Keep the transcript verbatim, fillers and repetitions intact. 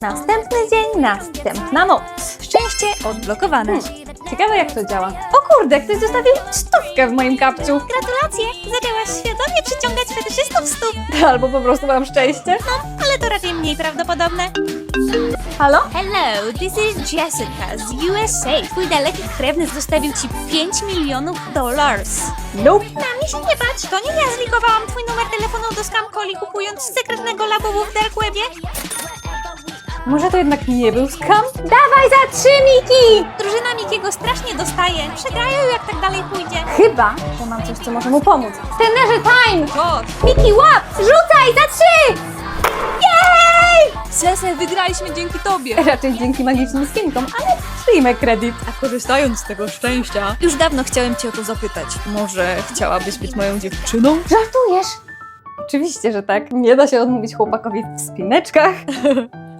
Następny dzień, następna noc. Szczęście odblokowane. Hmm. Ciekawe jak to działa. O kurde, ktoś zostawił stówkę w moim kapciu. Gratulacje! Zaczęłaś świadomie przyciągać fetyszystów stóp. Albo po prostu mam szczęście. Ale to raczej mniej prawdopodobne. Halo? Hello, this is Jessica z U S A. Twój daleki krewny zostawił ci pięć milionów dollars. Nope. Na mnie się nie patrz, to nie ja zlikowałam twój numer telefonu do scam calli kupując z sekretnego labubu w dark webie. Może to jednak nie był skam? Dawaj za trzy, Miki! Drużyna Mikiego strasznie dostaje. Przegrają jak tak dalej pójdzie. Chyba, że mam coś, co może mu pomóc. Trenerze time! O, Miki, łap! Rzucaj za trzy! Jej! Sese, wygraliśmy dzięki tobie. Raczej dzięki magicznym skinkom, ale przyjmę kredyt. A korzystając z tego szczęścia, już dawno chciałem cię o to zapytać. Może chciałabyś być moją dziewczyną? Żartujesz? Oczywiście, że tak. Nie da się odmówić chłopakowi w spineczkach.